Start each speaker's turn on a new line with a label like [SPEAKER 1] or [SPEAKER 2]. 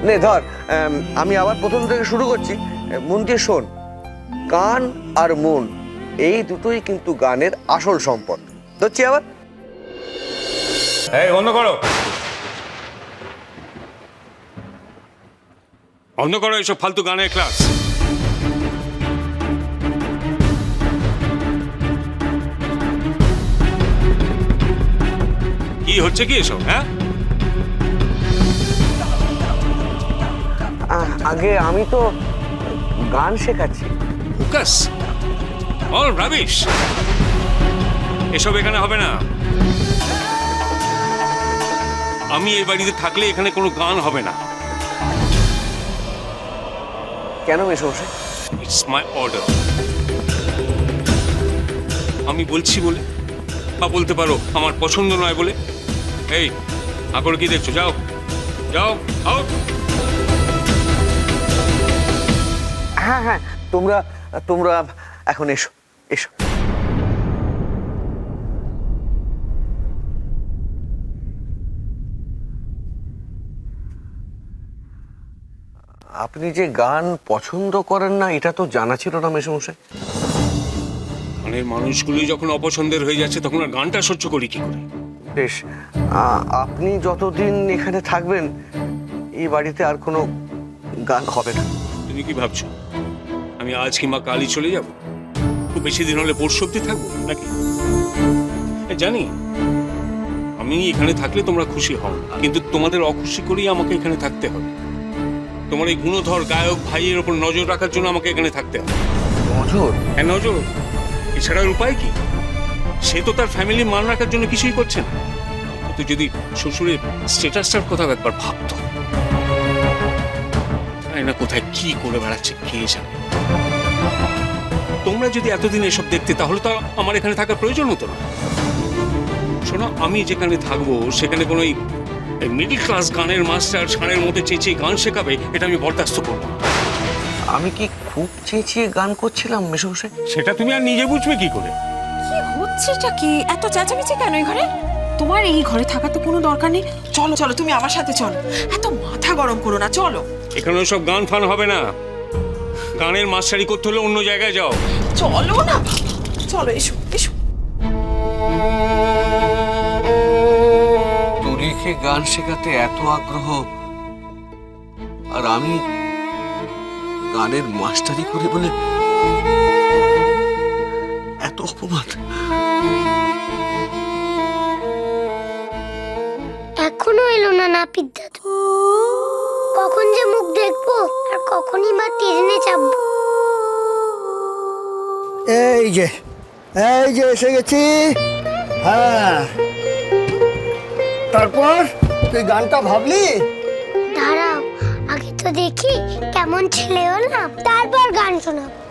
[SPEAKER 1] নে ধর, আমি আবার প্রথম থেকে শুরু করছি। মন দিয়ে শোন, কান আর মন এই দুটোই কিন্তু গানের আসল সম্পদ। ধরছি আবার।
[SPEAKER 2] এই বন্ধ করো, বন্ধ করো এইসব ফালতু গানের ক্লাস। কি হচ্ছে কি এসব? হ্যাঁ,
[SPEAKER 1] আগে আমি তো গান শেখাচ্ছি।
[SPEAKER 2] Focus, all rubbish. এসব এখানে হবে না। আমি এই বাড়িতে থাকলে এখানে কোনো গান হবে না।
[SPEAKER 1] কেন মেশমশাই?
[SPEAKER 2] It's my order. আমি বলছি বলে, বা বলতে পারো আমার পছন্দ নয় বলে। এই আকরে কি দেখছো? যাও যাও, আউট।
[SPEAKER 1] হ্যাঁ হ্যাঁ, তোমরা তোমরা এখন এসো এসো। আপনি যে গান পছন্দ করেন না এটা তো জানা ছিল না মেশমশাই।
[SPEAKER 2] গানের মানুষগুলি যখন অপছন্দের হয়ে যাচ্ছে তখন আর গানটা সহ্য করি কি করে?
[SPEAKER 1] বেশ, আপনি যতদিন এখানে থাকবেন এই বাড়িতে আর কোনো গান হবে না।
[SPEAKER 2] তুমি কি ভাবছো আমি আজ কিংবা কালই চলে যাব? খুব বেশি দিন হলে পরশু অব্দি থাকবো নাকি? জানি আমি এখানে থাকলে তোমরা খুশি হও, কিন্তু তোমাদের অখুশি করেই আমাকে এখানে থাকতে হবে। তোমার এই গুণধর গায়ক ভাইয়ের ওপর নজর রাখার জন্য আমাকে এখানে থাকতে হবে।
[SPEAKER 1] নজর?
[SPEAKER 2] হ্যাঁ নজর, এছাড়ার উপায় কি? সে তো তার ফ্যামিলি মান রাখার জন্য কিছুই করছে না। তো যদি শ্বশুরের স্ট্যাটাসটার কথা একবার ভাবতো, না কোথায় কি করে বেড়াচ্ছে কে জানে। তোমরা যদি এতদিন এসব দেখতে তাহলে তো আমার এখানে থাকার প্রয়োজন হতো না। শোনো, আমি যেখানে থাকবো সেখানে কোনো মিডল ক্লাস গানের মাস্টার ষাঁড়ের মধ্যে চেঁচিয়ে গান শেখাবে, এটা আমি বরদাস্ত করবো।
[SPEAKER 1] আমি কি খুব চেঁচিয়ে গান করছিলাম মেশমশাই?
[SPEAKER 2] সেটা তুমি আর নিজে বুঝবে কি করে?
[SPEAKER 3] কি হচ্ছেটা কি? এত চেঁচামেচি কেন এই ঘরে? তোমার এই ঘরে থাকা তো কোনো দরকার নেই। চলো চলো, তুমি আমার সাথে চলো। এত মাথা গরম করো না, চলো।
[SPEAKER 2] এখানে সব গান ফান হবে না। গানের মাস্টারি করতে হলে অন্য জায়গায় যাও।
[SPEAKER 3] চলো না, চলো, এসো এসো।
[SPEAKER 1] তুরিকে গান শেখাতে এত আগ্রহ, আর আমি গানের মাস্টারি করি বলে এত অপমান।
[SPEAKER 4] এখনো এলো না নাপিত দাদু। কখন যে মুখ দেখবো আর কখনই বা ট্রেনে চাপবো।
[SPEAKER 5] এই যে এসে গেছি। হ্যাঁ, তারপর তুই গানটা ভাবলি?
[SPEAKER 4] দাঁড়াও, আগে তো দেখি কেমন ছেলে হলাম, তারপর গান শোনাবো।